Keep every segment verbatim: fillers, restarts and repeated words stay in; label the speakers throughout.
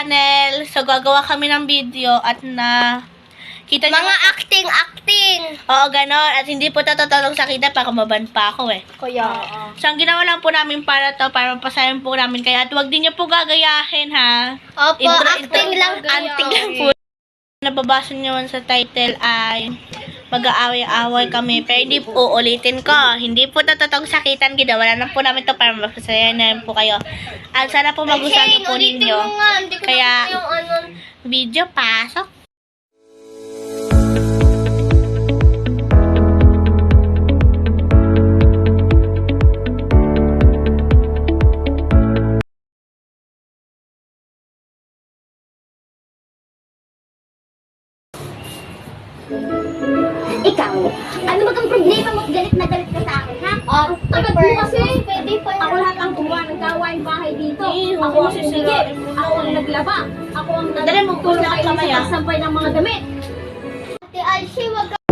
Speaker 1: Channel. So, gagawa kami ng video at na kita niyo
Speaker 2: Mga acting-acting.
Speaker 1: Oo, ganon. At hindi po tatotolong sa kita para kumaban pa ako eh.
Speaker 2: Kaya,
Speaker 1: So, ang ginawa lang po namin para to, para mapasayan po namin kayo. At huwag din niyo po gagayahin, ha?
Speaker 2: Opo,
Speaker 1: Intro-
Speaker 2: acting
Speaker 1: intro-
Speaker 2: lang.
Speaker 1: Acting lang po. Nababasa niyo man sa title ay mag-aaway-aaway kami. Pero hindi po, ulitin ko. Hindi po tatotong sakitan, ginawa lang po namin to para mapasayan na po kayo. At sana po magustuhan niyo po ninyo. Kaya,
Speaker 2: yung ano.
Speaker 1: video, pasok.
Speaker 3: Ikaw, ano ba kang problema mo? Galit na galit ka sa akin, ha?
Speaker 2: Ah,
Speaker 3: Agad mo kasi.
Speaker 2: pwede pa
Speaker 3: Ako lahat ang gumawa ng gawain bahay dito.
Speaker 1: Eh,
Speaker 3: Ako ang
Speaker 1: sisirain
Speaker 3: sumigit.
Speaker 1: mo na
Speaker 3: Ako ang
Speaker 1: eh.
Speaker 3: naglaba. Ako ang
Speaker 1: Dali, magpula ka
Speaker 3: kayo
Speaker 1: kamay,
Speaker 3: sa
Speaker 1: ah.
Speaker 3: pagsampay ng mga damit.
Speaker 2: Ate Alshi, wag ka.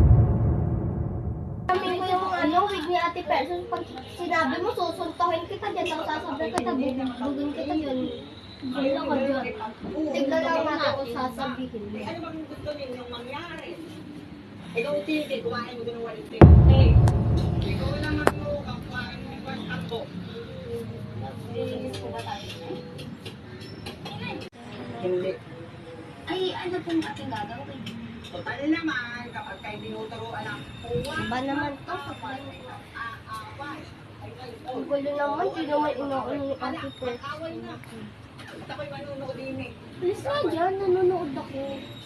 Speaker 2: Kami ko yung ano, wig ni Ate Person. Pag sinabi mo, susuntohin kita dyan. Tapos sasabihin kita, bubugin kita yun. Wala ka dyan. Tignan lang natin kung sasabihin mo.
Speaker 4: Ano bang gusto ninyong mangyari? Ikaw titi, kumain mo doon ng walang titi. Ikaw naman mo, ang kumain mo ng walang takbo. Hindi.
Speaker 3: Ay, ano pong ating gagawin?
Speaker 4: Total naman, kapag kayo tinuturuan ng uwa,
Speaker 2: Ba naman to?
Speaker 4: aaway. Ay, ay, oh.
Speaker 2: Ang gulo naman, di naman inuulo ni
Speaker 4: Wala,
Speaker 2: Ate Person.
Speaker 4: mag-away na. At ako'y manunood din eh.
Speaker 2: Please nga dyan, nanonood ako.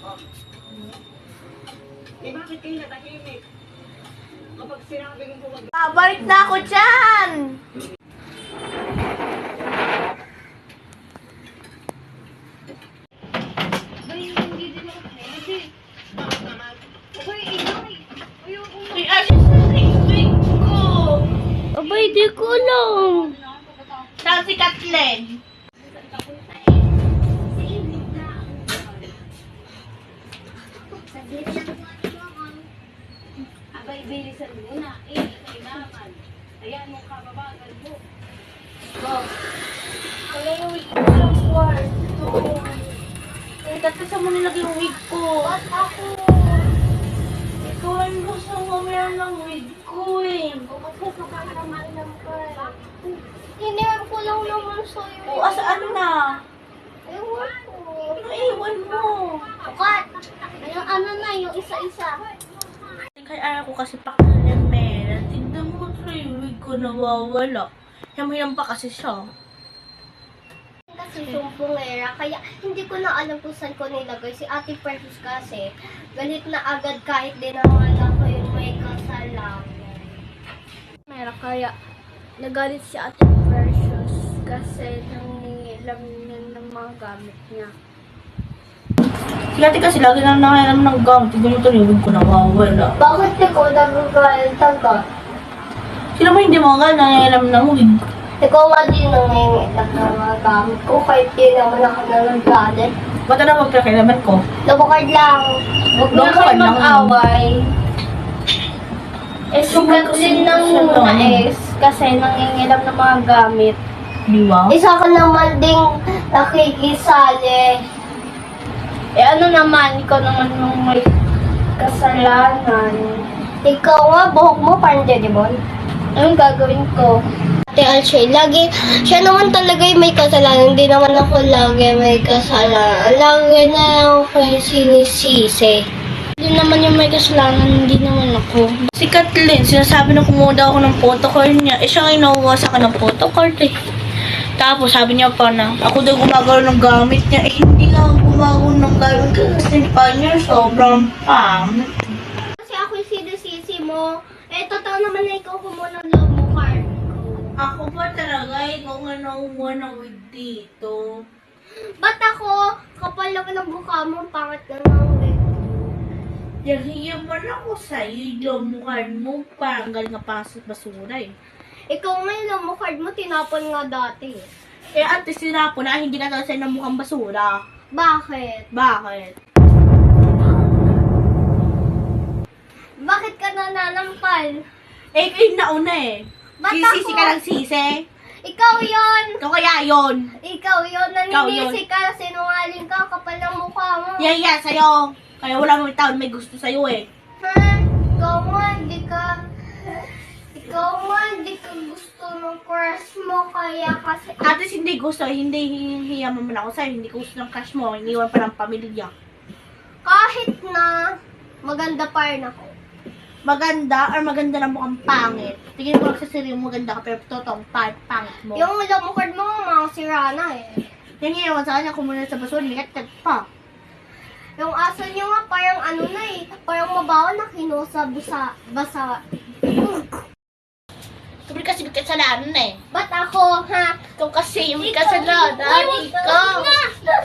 Speaker 4: Eh, bakit kayo natahimik? Kapag sinabi mo huwag
Speaker 1: Babalik na ako dyan! Uy, asin sa wig ko!
Speaker 2: Abay, di ko alam.
Speaker 1: Saan si Kathleen?
Speaker 3: Abay, bilisan mo na. Eh, kailangan. Ayan mo kababagal mo.
Speaker 1: Wala yung wig ko sa kwarto. Eh, dati saan mo nilagay yung wig ko?
Speaker 2: Ba't ako?
Speaker 1: Ikaw ang gusto mo meron ng wig ko eh.
Speaker 2: Kasi sumakaraman lang ka. Hinihan ko lang naman sa'yo.
Speaker 1: O, asaan na?
Speaker 2: Ewan ko.
Speaker 1: Naiwan mo.
Speaker 2: Kat, yung ano na, yung isa-isa.
Speaker 1: Kaya ayaw ko kasi pakilan, Mel. Tignan mo sa yung wig ko nawawala. Yamayang pa kasi siya.
Speaker 2: Kasi sumpungera, kaya hindi ko na alam kung saan ko nilagay. Si Ate Precious kasi, galit na agad kahit din naman ako yung may kasalanan. Mera, kaya nagalit si Ate Precious kasi nangilam niya ng mga gamit niya.
Speaker 1: Si ate kasi lagi lang nakailam ng gamit. Tignan mo yung wig ko nawawala.
Speaker 2: Bakit ikaw nagagalit agad?
Speaker 1: Sino mo hindi mo nga nakailam ng wig?
Speaker 2: Ikaw nga din nangingitak ng mga gamit ko kahit di naman ako nagagalit.
Speaker 1: Ba't na magpakilaman ko?
Speaker 2: Lubukad lang. Huwag na
Speaker 1: Lubukad
Speaker 2: kayo
Speaker 1: lang.
Speaker 2: mag-away. Eh, sugat din ng
Speaker 1: Siya to.
Speaker 2: mga ex kasi nangingilam ng mga gamit.
Speaker 1: Di ba?
Speaker 2: Isa ka naman ding nakikisali. Eh ano naman, ikaw naman yung may kasalanan. Ikaw nga, buhok mo parang Jedibon. Anong gagawin ko? Ate Alshay, lagi, siya naman talaga yung may kasalanan. Hindi naman ako lagi may kasalanan. Lagi na ako kayo sinisisi. Hindi naman yung may kasalanan, hindi naman ako.
Speaker 1: Si Kathleen, sinasabi na kumuha daw ako ng photocard niya. Eh, siya nga inuwa sa akin ng photocard eh. Tapos sabi niya pa na, ako daw gumagawa ng gamit niya. Eh, hindi nga ako gumagawa ng gamit kasi pa niya sobrang pang.
Speaker 2: Kasi ako yung sinisisi mo. Eh, totoo naman na ikaw kumuha ng love mo card.
Speaker 1: Ako pa talaga, ikaw nga nakuha ng wig dito.
Speaker 2: Ba't ako? Kapal naman ang mukha mo, pangit ka ng wig.
Speaker 1: Yahiya man ako sa'yo, yung mukha mo, parang galing nga pa sa basura eh.
Speaker 2: Ikaw nga yung love mo card mo, tinapon nga dati.
Speaker 1: Eh, ate, sinapo na, hindi ka talaga sa'yo ng mukhang basura.
Speaker 2: Bakit?
Speaker 1: Bakit?
Speaker 2: Bakit ka nananampal?
Speaker 1: Eh, kayo nauna eh.
Speaker 2: Ba't
Speaker 1: Sisisi
Speaker 2: ako?
Speaker 1: ka lang sisi.
Speaker 2: Ikaw yon.
Speaker 1: Ikaw kaya yun.
Speaker 2: Ikaw yon.
Speaker 1: Ikaw yun.
Speaker 2: Naninisi ka. Sinungaling ka. Kapal ng mukha mo.
Speaker 1: Yan yan, sa'yo. Kaya wala mo taon may gusto sa'yo eh.
Speaker 2: Ha? Ikaw nga, hindi ka... Ikaw nga, hindi ka gusto ng crush mo. Kaya kasi...
Speaker 1: At least hindi gusto, hindi hihiya mo man ako sa'yo. Hindi ko gusto ng crush mo. Iniwan pa ng pamilya.
Speaker 2: Kahit na maganda pa rin ako.
Speaker 1: Maganda or maganda na mukhang pangit. Tingin ko lang sa sarili mo maganda ka pero totoong pangit, pangit mo.
Speaker 2: Yung lamukad mo, mga sira na eh.
Speaker 1: Yung ginawa sa kanya, kumunod sa basura, likat pa.
Speaker 2: Yung aso nyo nga, parang ano na eh. Parang mabaho na kinusa basa. basa.
Speaker 1: Sabi kasi may kasalanan eh.
Speaker 2: Ba't ako, ha?
Speaker 1: Ikaw kasi yung may kasalanan.
Speaker 2: Ikaw,
Speaker 1: Ikaw.
Speaker 2: ikaw.